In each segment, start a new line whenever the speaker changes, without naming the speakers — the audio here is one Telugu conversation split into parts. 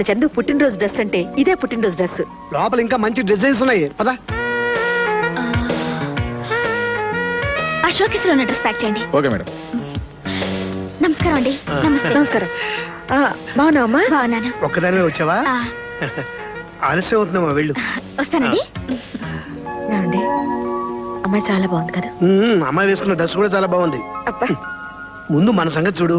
చందు పుట్టినరోజు డ్రెస్ అంటే ఇదే పుట్టినరోజు డ్రెస్.
లోపల ఇంకా మంచి డిజైన్స్ ఉన్నాయి పదా.
ఆ షోకేస్ లో ఉన్న డ్రెస్ ప్యాక్ చేయండి.
Okay madam.
నమస్కారం అండి.
నమస్కారం. బాగున్నావమ్మా?
బాగున్నాను.
ఒక్కదానివే వచ్చావా? ఆలస్యం అవుతుందమ్మా, వెళ్ళు.
వస్తానండి.
ఏమండి, అమ్మాయి చాలా బాగుంది కదా.
అమ్మాయి వేసుకున్న డ్రెస్ కూడా చాలా బాగుంది.
అబ్బా,
ముందు మన సంగతి చూడు.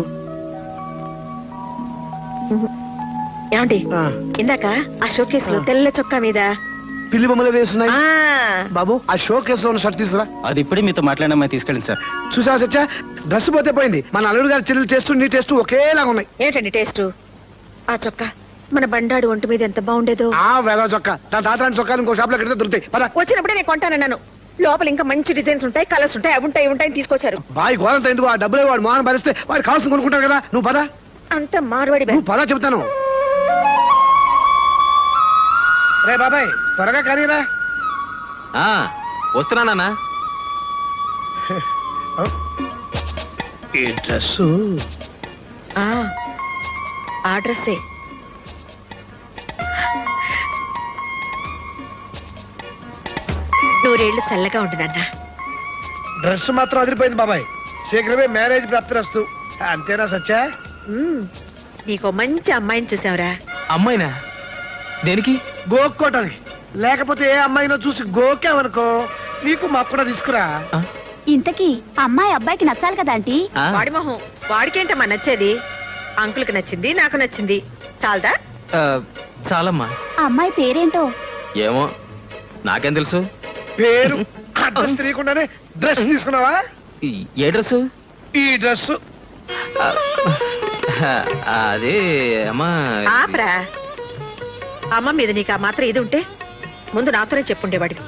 ఏమండి, ఇందాక ఆ షోకేస్ లో తెల్ల చొక్కా మీద
పిల్లి బొమ్మలు వేస్తున్నాయి.
ఆ
బాబు, ఆ షో కేసులో ఉన్న షర్ట్ తీసుకురా.
అది ఇప్పుడే మీతో మాట్లాడిన తీసుకెళ్ళండి సార్.
చూసావా సత్య, డ్రెస్ పోతే పోయింది. మన అల్లుడు గారి చెల్లెలు టేస్ట్ నీ టేస్ట్ ఒకేలాగా ఉన్నాయి.
ఏంటండి టేస్ట్? ఆ చొక్కా మన బండాడు ఒంటి మీద ఎంత బాగుండేదో.
ఆ వేద చొక్కా, దాని తాతరాని చొక్కాలు ఇంకో షాప్ లో కడితే దొరుకుతాయి. పద.
వచ్చినప్పుడే నేను కొంటానన్నాను. లోపల ఇంకా మంచి డిజైన్స్ ఉంటాయి, కలర్స్ ఉంటాయి, అవి ఉంటాయి, ఇవి ఉంటాయి తీసుకొచ్చారు.
బాయ్ గోరంత ఎందుకు? ఆ డబ్బులు వాడు మోహన్ భరిస్తే వాడు కావాల్సింది కొనుక్కుంటారు కదా. నువ్వు పద.
అంత మార్వాడి
నువ్వు పద చెబుతాను. రే బాబాయ్, త్వరగా కరీరా.
వస్తున్నానా?
ఈ డ్రెస్
ఆ డ్రెస్సే. నూరేళ్లు చల్లగా ఉంటుందన్నా.
డ్రెస్ మాత్రం అదిరిపోయింది బాబాయ్. శీఘ్రమే మ్యారేజ్ ప్రాప్తిరస్తు. అంతేనా సత్య?
నీకో మంచి అమ్మాయిని చూసావురా.
అమ్మాయినా? దేనికి?
గోక్కోటానికి. లేకపోతే ఏ అమ్మాయినో చూసి గోకావనుకో, నీకు మా కూడా తీసుకురా.
ఇంతకీ అమ్మాయి అబ్బాయికి నచ్చాలి కదా ఆంటీ.
వాడి మొహం వాడికేంటమ్మా నచ్చేది? అంకుల్కి నచ్చింది, నాకు నచ్చింది. చాలదా?
చాలమ్మా.
ఆ అమ్మాయి పేరేంటో?
ఏమో, నాకేం తెలుసు.
పేరు అడ్రస్ తెలియకుండానే డ్రెస్ తీసుకున్నావా?
ఏ డ్రెస్?
ఈ డ్రెస్.
అదే అమ్మా.
ఆపరా. అమ్మ మీద నీకు ఆ మాత్రం ఇది ఉంటే ముందు నాతోనే చెప్పుండేవాడికి.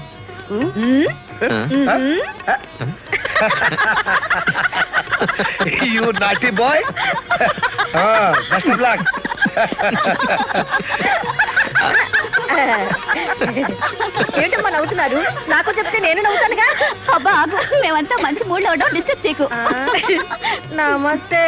You naughty boy. Best of luck.
ఏంటమ్మా నవ్వుతున్నారు? నాకు చెప్తే నేను నవ్వుతానుగా.
అబ్బా ఆగు, మేమంతా మంచి మూడ్ లో ఉండవు, డిస్టర్బ్ చేయకు.
నమస్తే.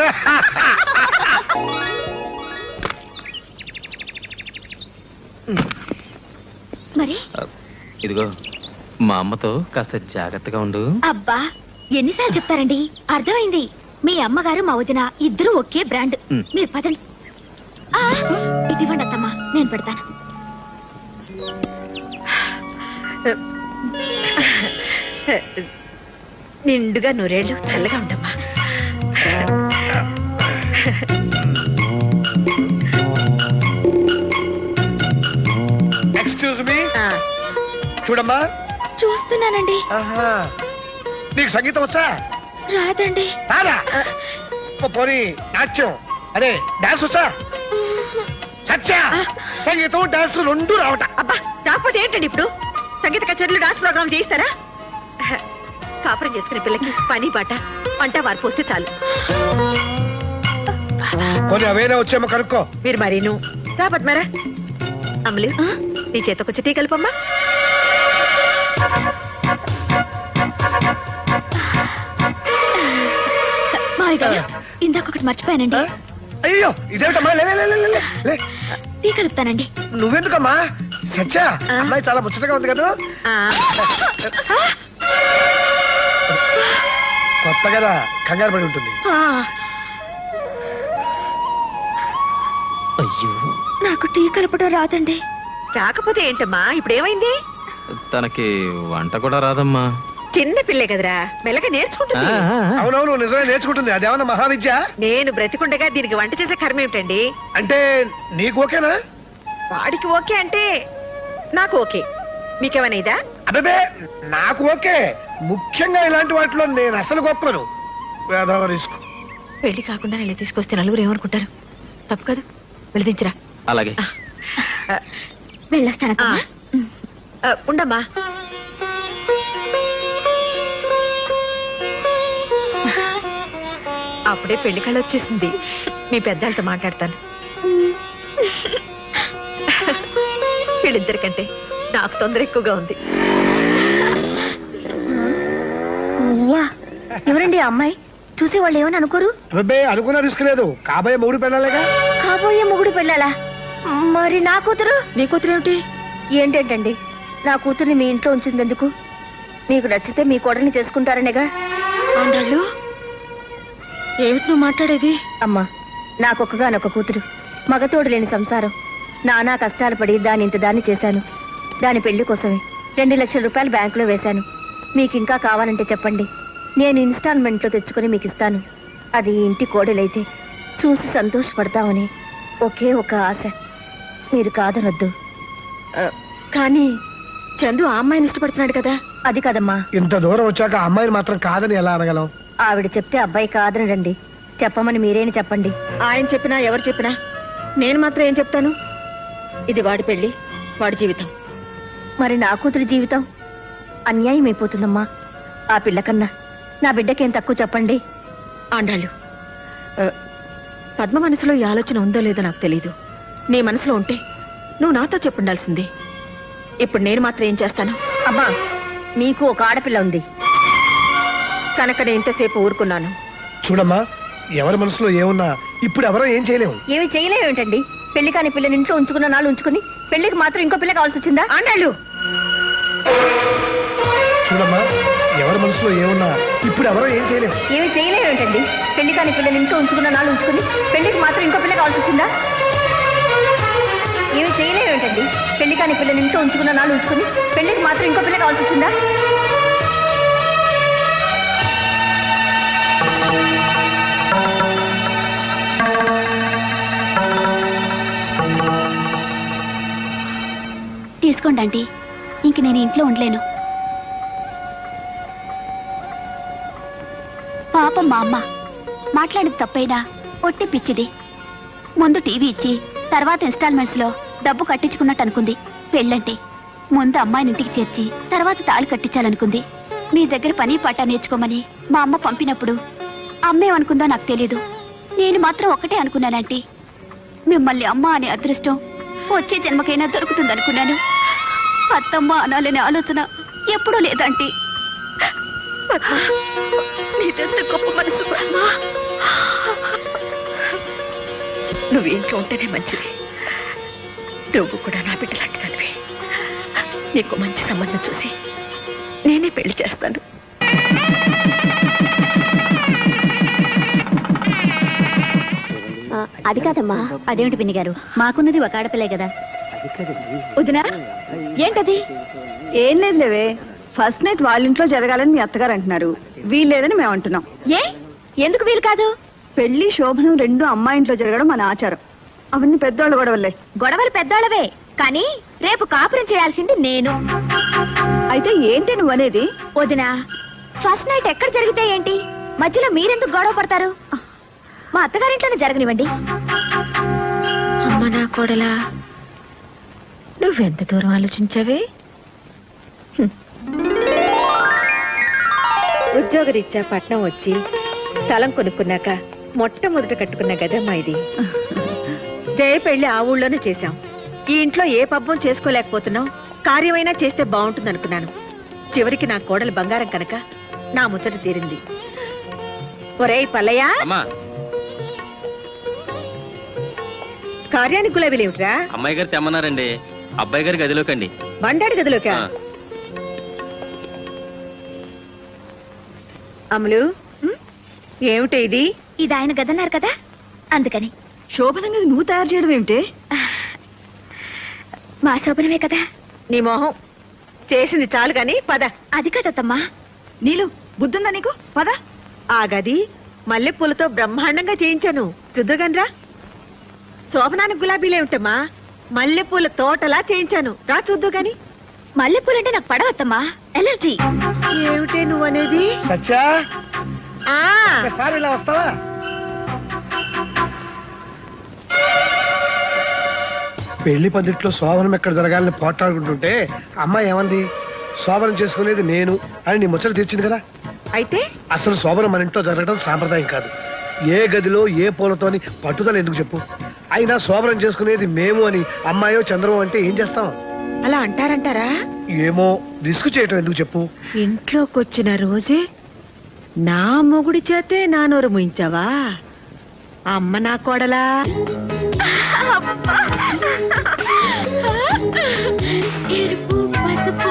మరి
ఇదిగో, మా అమ్మతో కాస్త జాగ్రత్తగా ఉండు.
అబ్బా ఎన్నిసార్లు చెప్తారండి? అర్థమైంది. మీ అమ్మగారు మా వదిన ఇద్దరు ఒకే బ్రాండ్. మీరు పదండి. ఇది ఇవ్వండి అత్తమ్మా, నేను పెడతాను.
నిండుగా నూరేళ్ళు చల్లగా ఉండమ్మా.
Excuse me. చూడమ్మా.
చూస్తున్నానండి.
నీకు సంగీతం వచ్చా?
రాదండి.
రాదా? పోనీ నాట్యం, అదే డాన్స్ వచ్చా? సత్యా, సంగీతం డాన్స్ రెండు రావట.
అబ్బా రాకపోతే ఏంటండి ఇప్పుడు? సంగీత కచేరీలు, డాన్స్ ప్రోగ్రామ్ చేయిస్తారా? కాపురం చేసుకునే పిల్లకి పని పాట వంట వారు పోస్తే చాలు.
కొన్ని అవేనా వచ్చేమో కనుక్కో.
మీరు మరి నువ్వు రాబట్ మరా. అమలు, నీ చేత కొంచెం టీ కలుపమ్మా.
మావి గారు, ఇందాకొకటి మర్చిపోయానండి.
అయ్యో, ఇదేమిటమ్మా? లే.
టీ కలుపుతానండి.
నువ్వెందుకమ్మా? సత్య, అమ్మాయి చాలా ముచ్చటగా ఉంది కదా. కొత్త కదా, కంగారు పడి ఉంటుంది.
అయ్యో,
నాకు టీ కలపడం రాదండి.
రాకపోతే ఏంటమ్మా? ఇప్పుడు ఏమైంది?
తనకి వంట కూడా రాదమ్మా.
చిన్న పిల్లే కదరా, మెల్లగా నేర్చుకుంటుంది.
అవునవును, నిజమే నేర్చుకుంటుంది. అదేమన్నా మహావిద్య?
నేను బ్రతికుండగా దీనికి వంట చేసే కర్మ ఏమిటండి?
అంటే నీకు ఓకేనా?
వాడికి ఓకే అంటే నాకు ఓకే. మీకేమైనా ఇదా?
అదే నాకు ఓకే. ముఖ్యంగా ఇలాంటి వాటిలో నేను అసలు గొప్పను. వేదవరిస్కు
పెళ్లి కాకుండా నేను తీసుకొస్తే నలుగురు ఏమనుకుంటారు? తప్పు కదా, వెళ్ళదించరా.
అలాగే.
వెళ్ళొస్తాను.
ఉండమ్మా. అప్పుడే పెళ్లి కళ వచ్చేసింది. మీ పెద్దలతో మాట్లాడతాను. వీళ్ళిద్దరికంటే నాకు తొందర ఎక్కువగా ఉంది.
ఎవరండి ఆ అమ్మాయి? చూసి వాళ్ళు ఏమని అనుకోరు?
అనుకున్నా రిస్క్ లేదు. కాబోయే మూడు పిల్లలేగా.
కాబోయే మొగుడు పెళ్ళాలా? మరి నా కూతురు?
నీ కూతురు ఏమిటి?
ఏంటండి నా కూతుర్ని మీ ఇంట్లో ఉంచిందెందుకు? మీకు నచ్చితే మీ కోడల్ని చేసుకుంటారనేగా.
ఆండాళ్ళు ఏమిటి నువ్వు మాట్లాడేది?
అమ్మా, నాకొక్కగానొక్క కూతురు, మగతోడు లేని సంసారం. నానా కష్టాలు పడి దాని ఇంత దాన్ని చేశాను. దాని పెళ్లి కోసమే 2 లక్షల రూపాయలు బ్యాంకులో వేశాను. మీకు ఇంకా కావాలంటే చెప్పండి, నేను ఇన్స్టాల్మెంట్లో తెచ్చుకొని మీకు ఇస్తాను. అది ఈ ఇంటి కోడలైతే చూసి సంతోషపడతామని ఒకే ఒక ఆశ. మీరు కాదనొద్దు.
కానీ చందు ఆ అమ్మాయిని ఇష్టపడుతున్నాడు కదా.
అది కదమ్మా.
ఇంత దూరం వచ్చాక ఆ అమ్మాయిని మాత్రం కాదని ఎలా అనగలం?
ఆవిడ చెప్తే అబ్బాయి కాదనడండి. చెప్పమని మీరేని చెప్పండి.
ఆయన చెప్పినా ఎవరు చెప్పినా నేను మాత్రం ఏం చెప్తాను? ఇది వాడి పెళ్లి, వాడి జీవితం.
మరి నా కూతురి జీవితం అన్యాయం అయిపోతుందమ్మా. ఆ పిల్ల కన్నా నా బిడ్డకేం తక్కువ చెప్పండి.
ఆండాళ్ళు, పద్మ మనసులో ఈ ఆలోచన ఉందో లేదో నాకు తెలీదు. నీ మనసులో ఉంటే నువ్వు నాతో చెప్పుండాల్సింది. ఇప్పుడు నేను మాత్రం ఏం చేస్తాను?
అమ్మా, మీకు ఒక ఆడపిల్ల ఉంది
కనుక నేను ఇంతసేపు ఊరుకున్నాను.
చూడమ్మా, ఎవరి మనసులో ఏమున్నా ఇప్పుడు ఎవరో ఏం చేయలేము.
ఏమి చేయలేమేంటండి? పెళ్లి కాని పిల్లని ఇంట్లో ఉంచుకున్న నాళ్ళు ఉంచుకుని పెళ్లికి మాత్రం ఇంకో పిల్ల కావాల్సి వచ్చిందా?
ఆండాళ్ళు,
చూడమ్మా, ఎవరి మనసులో ఏమున్నా ఇప్పుడు ఎవరో ఏం చేయలేము.
ఏమి చేయలేమేంటండి? పెళ్లి కాని పిల్లని ఇంట్లో ఉంచుకున్న నాళ్ళు ఉంచుకుని పెళ్లికి మాత్రం ఇంకో పిల్ల కావాల్సి వచ్చిందా? ఏమి చేయలేమేంటండి? పెళ్లి కాని పిల్లని ఇంట్లో ఉంచుకున్న నాళ్ళు ఉంచుకుని పెళ్లికి మాత్రం ఇంకో పిల్ల కావాల్సి వచ్చిందా?
తీసుకోండి ఆంటీ, ఇంక నేను ఇంట్లో ఉండలేను. పాపం మా అమ్మ మాట్లాడేది తప్పైనా ఒట్టి పిచ్చిది. ముందు టీవీ ఇచ్చి తర్వాత ఇన్స్టాల్మెంట్స్ లో డబ్బు కట్టించుకున్నట్టు అనుకుంది. పెళ్ళంటే ముందు అమ్మాయిని ఇంటికి చేర్చి తర్వాత తాళి కట్టించాలనుకుంది. మీ దగ్గర పని పాట నేర్చుకోమని మా అమ్మ పంపినప్పుడు అమ్మేమనుకుందో నాకు తెలీదు. నేను మాత్రం ఒకటే అనుకున్నానంటీ, మిమ్మల్ని అమ్మ అనే అదృష్టం వచ్చే జన్మకైనా దొరుకుతుందనుకున్నాను. అత్తమ్మ అనాలనే ఆలోచన ఎప్పుడూ లేదంటీ.
నీదెంత గొప్ప మనసు పద్మా. నువ్వు ఇంట్లో ఉంటేనే మంచిది. నువ్వు కూడా నా బిడ్డ లాంటి తనివి. నీకు మంచి సంబంధం చూసి నేనే పెళ్లి చేస్తాను.
అది కాదమ్మా. అదేమిటి పిన్ని గారు, మాకున్నది ఒక ఆడపిల్లే కదా.
వదినా, ఏంటది?
ఏం లేదు లేవే, ఫస్ట్ నైట్ వాళ్ళ ఇంట్లో జరగాలని మీ అత్తగారు అంటున్నారు. వీల్లేదని మేము అంటున్నాం.
ఏ ఎందుకు వీలు కాదు?
పెళ్లి శోభనం రెండు అమ్మాయి ఇంట్లో జరగడం మన ఆచారం. అవన్నీ పెద్దోళ్ళు గొడవలే.
గొడవలు పెద్దోళ్ళవే, కానీ రేపు కాపురం చేయాల్సింది నేను.
అయితే ఏంటి నువ్వు అనేది?
వదినా, ఫస్ట్ నైట్ ఎక్కడ జరిగితే ఏంటి? మధ్యలో మీరెందుకు గొడవ పడతారు? మా అత్తగారింట్లోనే జరగనివ్వండి.
అమ్మ నా కోడలా, నువ్వెంత దూరం ఆలోచించావే? ఉద్యోగరీత్యా పట్నం వచ్చి స్థలం కొనుక్కున్నాక మొట్టమొదట కట్టుకున్న గదమ్మా ఇది. జయ పెళ్లి ఆ ఊళ్ళోనే చేశాం. ఈ ఇంట్లో ఏ పబ్బం చేసుకోలేకపోతున్నాం. కార్యమైనా చేస్తే బాగుంటుంది అనుకున్నాను. చివరికి నా కోడలు బంగారం కనుక నా ముచ్చట తీరింది. ఒరేయ్ పల్లయ్య,
అమ్మా,
కార్యానికి గులాబీలేమిట్రా?
అమ్మాయి గారు తెమ్మన్నారండి. అబ్బాయి గారి గదిలోకండి.
బండాడి గదిలోకా?
ఆ.
అమలు, ఏమిటి ఇది?
ఇది ఆయన గదన్నారు కదా, అందుకని.
శోభనంగా నువ్వు తయారు చేయడం ఏమిటే?
మా శోభనమే కదా.
నీ మొహం చేసింది చాలు గాని పద.
అది కదమ్మా.
నీలు బుద్ధుందా నీకు? పద.
ఆ గది మల్లెపూలతో బ్రహ్మాండంగా చేయించాను, చూద్దుగానిరా. శోభనానికి గులాబీలేమిటమ్మా, మల్లెపూల తోటలా చేయించాను, రా చూద్దు గాని.
మల్లెపూలంటే నాకు పడవద్దమ్మా, ఎలర్జీ.
ఏమిటే నువ్వనేది?
సత్యా,
ఆ
ఒకసారి ఇలా వస్తావా? పెళ్లి పందిట్లో శోభనం ఎక్కడ జరగాలని పోట్లాడుకుంటుంటే అమ్మాయి ఏమంది? శోభనం చేసుకునేది నేను అని నీ ముచ్చట తీర్చింది కదా.
అయితే
అసలు శోభనం మన ఇంట్లో జరగడం సాంప్రదాయం కాదు. ఏ గదిలో ఏ పూలతోని పట్టుదల ఎందుకు చెప్పు? అయినా శోభనం చేసుకునేది మేము అని అమ్మాయో చంద్రమో అంటే ఏం చేస్తాం?
అలా అంటారంటారా?
ఏమో, రిస్క్ చేయటం ఎందుకు చెప్పు?
ఇంట్లోకొచ్చిన రోజే నా మొగుడి చేతే నా నోరు ముయించావా? అమ్మ నా కోడలా.
ఎరుపు పసుపు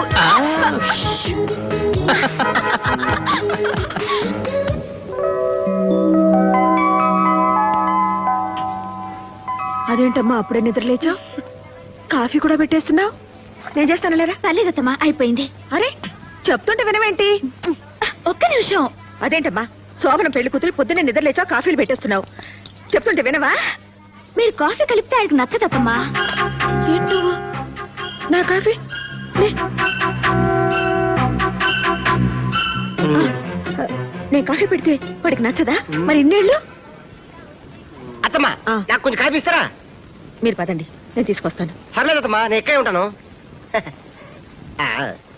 అదేంటమ్మా అప్పుడే నిద్రలేచావు? కాఫీ కూడా పెట్టేస్తున్నావు? నేను చేస్తాను లేరా.
పర్లేదమ్మా, అయిపోయింది.
అరే చెప్తుంటే వినవేంటి?
ఒక్క నిమిషం.
అదేంటమ్మా శోభన పెళ్లి కూతురు పొద్దున్నే నిద్రలేచావు కాఫీలు పెట్టేస్తున్నావు? చెప్తుంటే వినవా?
మీరు కాఫీ కలిపితే ఆయనకు నచ్చదమ్మా.
ఏంటో నా కాఫీ నేను కాఫీ పెడితే వాడికి నచ్చదా? మరి ఇన్నేళ్ళు
అత్తమ్మా
ఆ.
నాకు కొంచెం కాఫీ ఇస్తారా?
మీరు పదండి, నేను తీసుకొస్తాను.
పర్లేదు అత్తమ్మా, నేను ఇక్కడే ఉంటాను. ఆ,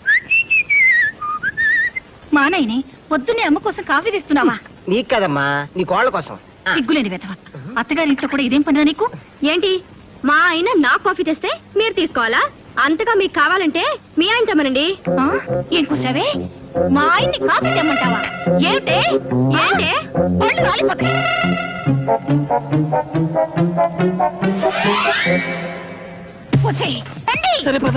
మా నాయనే పొద్దున్నే అమ్మ కోసం కాఫీ తెస్తున్నావా?
నీకు కదమ్మా, నీ కోళ్ళ కోసం. ఆ,
సిగ్గులేని వెధవ. అత్తగారి ఇంట్లో కూడా ఇదేం పనిరా నీకు? ఏంటి మా ఆయన నా కాఫీ తెస్తే మీరు తీసుకోవాలా? అంతగా మీకు కావాలంటే మీ ఆయన తెమ్మనండి. ఏం కూసావే? మా ఆయన్ని కాఫీ తెమ్మంటావా? ఏమిటే ఏంటే పళ్ళు రాలిపోతాయి. వచ్చేయ్, రండి.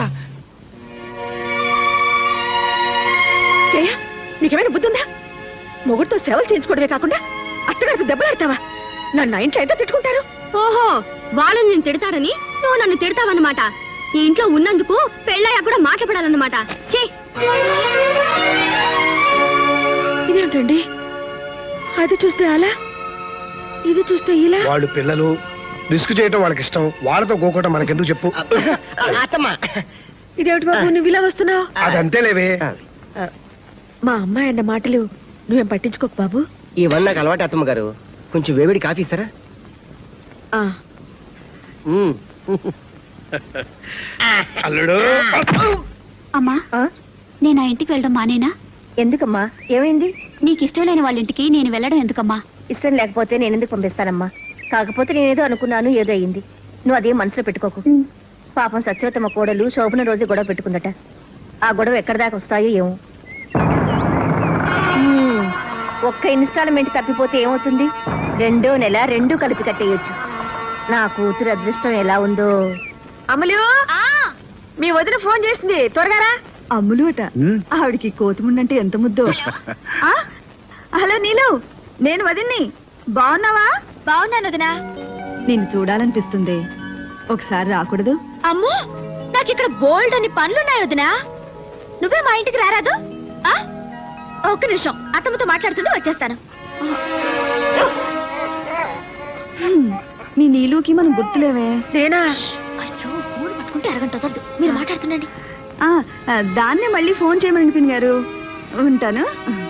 జయ, నీకేమైనా బుద్ధి ఉందా? మొగుడితో సేవలు చేయించుకోవడమే కాకుండా అత్తగారికి దెబ్బలాడతావా? నన్ను ఇంట్లో ఎంత తిట్టుకుంటారు?
ఓహో, వాళ్ళు నేను తిడతారని నువ్వు నన్ను తిడతావన్నమాట. ఈ ఇంట్లో ఉన్నందుకు పెళ్ళయ్యా కూడా మాట్లాడాలన్నమాట. చే
ఇదేంటండి, అది చూస్తే అలా, ఇది చూస్తే ఇలా.
వాళ్ళు పిల్లలు, రిస్క్ చేయటం వాళ్ళకి ఇష్టం. వాళ్ళతో గోకోవటం మనకెందుకు చెప్పు?
అత్తమ్మా
ఇదేమిటి బాబు నువ్వు ఇలా వస్తున్నావు?
అదంతే లేవే.
మా అమ్మాయి అన్న మాటలు నువ్వేం పట్టించుకోకు బాబు.
ఇవన్నీ నాకు అలవాటు అత్తమ్మ గారు. కొంచెం వేవిడి కాఫీ ఇస్తారా?
ఆ,
ఉమ్.
అల్లుడు
అమ్మా,
ఆ?
నేను ఆ ఇంటికి వెళ్ళడం మానేనా?
ఎందుకమ్మా, ఏమైంది?
నీకు ఇష్టం లేని వాళ్ళ ఇంటికి నేను వెళ్ళడం ఎందుకమ్మా?
ఇష్టం లేకపోతే నేను ఎందుకు పంపిస్తానమ్మా? కాకపోతే నేనేదో అనుకున్నాను, ఏదో అయింది. నువ్వు అదేం మనసులో పెట్టుకోకు. పాపం సత్యవతమ్మ కోడలు శోభన రోజు గొడవ పెట్టుకుందట. ఆ గొడవ ఎక్కడి దాకా వస్తాయో ఏమో. ఒక్క ఇన్స్టాల్మెంట్ తప్పిపోతే ఏమవుతుంది? 2వ నెల 2 కలిపి కట్టేయొచ్చు. నా కూతురు అదృష్టం ఎలా ఉందో.
అమలు, మీ వదిన ఫోన్ చేసింది, త్వరగా రా.
అమ్ములు అట. ఆవిడికి కోతిముండంటే ఎంత ముద్దో. ఆ? హలో నీలు, నేను వదిన్ని. బాగున్నావా?
బాగున్నాను వదినా.
నిన్ను చూడాలనిపిస్తుంది. ఒకసారి రాకూడదు?
అమ్మో, నాకు ఇక్కడ బోల్డ్ అని పనులున్నాయి వదినా. నువ్వే మా ఇంటికి రారాదు? ఆ? ఒక్క నిమిషం, అత్తమ్మతో మాట్లాడుతుంటే వచ్చేస్తాను.
మీ నీలుకి మనం గుర్తులేవే.
నేనా?
అయ్యో, ఫోన్ పట్టుకుంటే అరగంట వదలదు. మీరు మాట్లాడుతుండండి.
దాన్నే మళ్ళీ ఫోన్ చేయమని పిన్ గారు. ఉంటాను.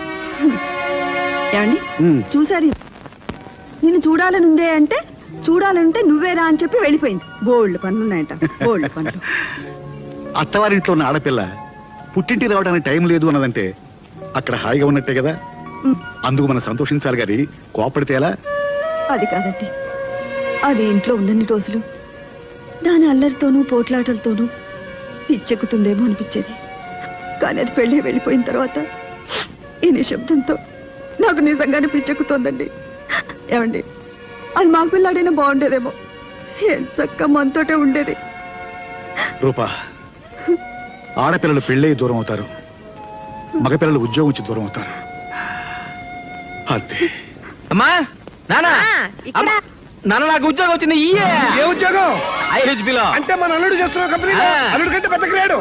ఏమండి చూసారు? నిన్ను చూడాలని ఉందే అంటే చూడాలంటే నువ్వేరా అని చెప్పి వెళ్ళిపోయింది. బోల్డ్ పనులు ఉన్నాయట, బోల్డ్ పనులు.
అత్తవారింట్లో ఉన్న ఆడపిల్ల పుట్టింటికి రావడానికి టైం లేదు అన్నదంటే అక్కడ హాయిగా ఉన్నట్టే కదా. అందుకు మనం సంతోషించాలి గాని కోపడితే ఎలా?
అది కాదండి, అది ఇంట్లో ఉన్నన్ని రోజులు దాని అల్లరితోనూ పోట్లాటలతోనూ పిచ్చెక్కుతుందేమో అనిపించేది. కానీ అది పెళ్ళి వెళ్ళిపోయిన తర్వాత ఈ నిశ్శబ్దంతో నాకు నిజంగానే పిచ్చెక్కుతోందండి. ఏమండి, అది మాకు పిల్లాడైనా బాగుండేదేమో. ఏం చక్క మనతోటే ఉండేది.
రూపా, ఆడపిల్లలు పెళ్ళై దూరం అవుతారు, మగపిల్లలు ఉద్యోగం నుంచి దూరం అవుతారు. అంతే.
అమ్మా, నానా,
ఇక్కడ
అమ్మా, నాన్న నాకు ఉద్యోగం వచ్చింది.
ఏ ఉద్యోగం?
IHB లో.
అంటే మన అల్లుడు చేస్తున్న కంపెనీ.
ఆ.
అల్లుడు కంటే పెద్ద గ్రేడు.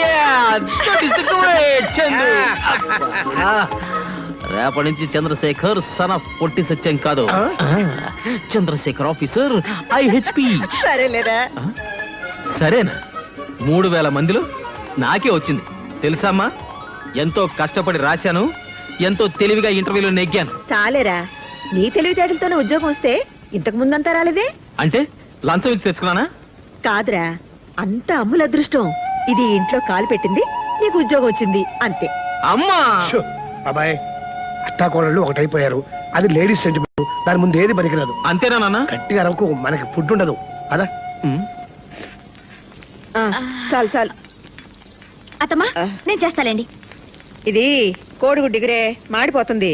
రేపటి నుంచి చంద్రశేఖర్ సన్ ఆఫ్ పొట్టి సత్యం కాదు, చంద్రశేఖర్ ఆఫీసర్ IHP.
సరేలేరా.
సరేనా? 3000 మందిలో నాకే వచ్చింది తెలుసమ్మా. ఎంతో కష్టపడి రాశాను, ఎంతో తెలివిగా ఇంటర్వ్యూలో నెగ్గాను.
చాలేరా, నీ తెలివితేటలతోనే ఉద్యోగం వస్తే ఇంతకు ముందంతా రాలేదే.
అంటే లంచం ఇచ్చి తెచ్చుకున్నానా?
కాదురా, అంత అమ్ముల అదృష్టం. ఇది ఇంట్లో కాలు పెట్టింది, నీకు ఉద్యోగం వచ్చింది అంతే.
అమ్మా,
షో, బాబాయ్, అత్తాకోడళ్ళు ఒకటైపోయారు. అది లేడీస్ సెంటిమెంట్. దాని ముందు ఏది పనికిరాదు.
అంతేనా నాన్న?
గట్టిగా అరవకు, మనకి ఫుడ్ ఉండదు. అదా
ఆ, చాలు చాలు.
అత్తమ్మా, నేను చేస్తాలేండి.
ఇది కోడిగుడ్డు డిగ్రే మాడిపోతుంది.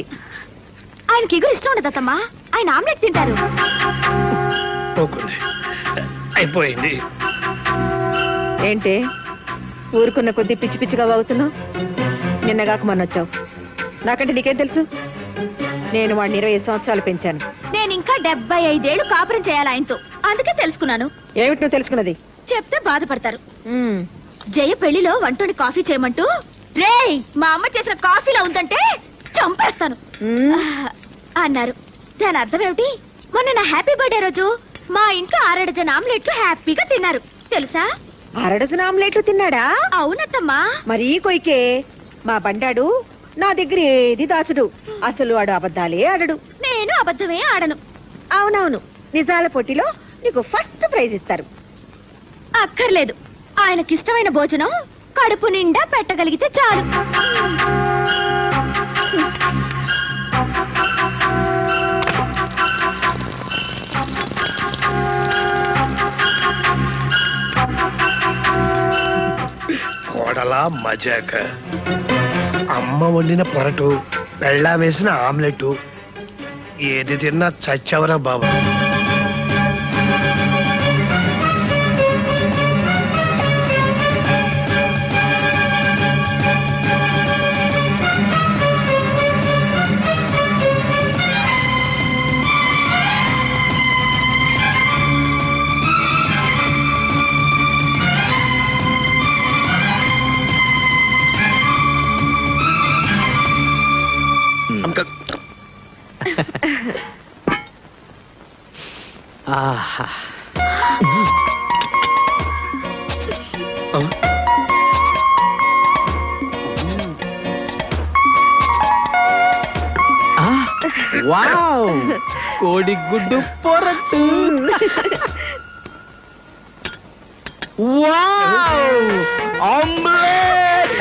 ఆయనకి ఎగురు ఇష్టం ఉండదు అత్తమ్మా. ఆయన ఆమ్లెట్ తింటారు.
ఓకే. అయిపోయింది.
ఏంటి ఊరుకున్న కొద్ది పిచ్చి పిచ్చిగా వాగుతున్నావు? నిన్నగాక మొన్నొచ్చావు. నాకంటే నీకేం తెలుసు? నేను వాడిని 25 సంవత్సరాలు పెంచాను.
నేను ఇంకా 75 ఏళ్ళు కాపురం చేయాలి ఆయనతో, అందుకే తెలుసుకున్నాను.
ఏమిటి నువ్వు తెలుసుకున్నది?
చెప్తే బాధపడతారు.
ఉమ్,
జయ పెళ్లిలో వంటోని కాఫీ చేయమంటూ, రేయ్ మా అమ్మ చేసిన కాఫీలో ఉందంటే చంపేస్తాను
ఉమ్.
అన్నారు. దాని అర్థం ఏమిటి? మొన్న నా హ్యాపీ బర్త్డే రోజు మా ఇంట్లో 6 డజన్ ఆమ్లెట్లు హ్యాపీగా తిన్నారు తెలుసా?
6 డజన్ ఆమ్లెట్లు తిన్నాడా?
అవునత్తమ్మా.
మరీ కొయ్కే. మా బండాడు నా దగ్గర ఏది దాచుడు. అసలు వాడు అబద్ధాలే ఆడడు.
నేను అబద్ధమే ఆడను.
అవునవును, నిజాల పోటీలో నీకు ఫస్ట్ ప్రైజ్ ఇస్తారు.
అక్కర్లేదు, ఆయనకిష్టమైన భోజనం కడుపు నిండా పెట్టగలిగితే చాలు.
కోడలా మజాక. అమ్మ వండిన పొరటు, పెళ్ళా వేసిన ఆమ్లెట్, ఏది తిన్నా చచ్చవరా బాబు.
ఆహా. ఆ, వావ్, కోడిగుడ్డు పొరట్టు. Wow, omelette.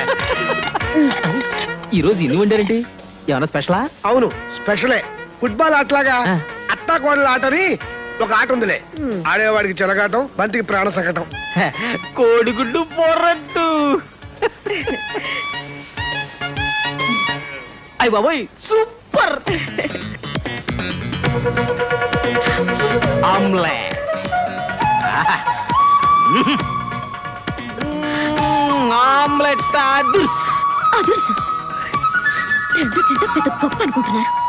ఈరోజు ఇన్ని వండారండి? ఏమన్నా స్పెషలా?
అవును, స్పెషలే. ఫుట్బాల్ ఆటలాగా
ఆ.
అత్తా కోడల ఆటని ఒక ఆట ఉందిలే. ఆడేవాడికి చెలగాటం, బంతికి ప్రాణ సంకటం.
కోడిగుడ్డు పొరట్టు. అయ్య బాబోయ్, సూపర్. ఆమ్లెట్. ఆమ్లెట్ అదుర్స్.
అదుర్సు. రెండు తింటే పెద్ద గొప్ప అనుకుంటున్నారు.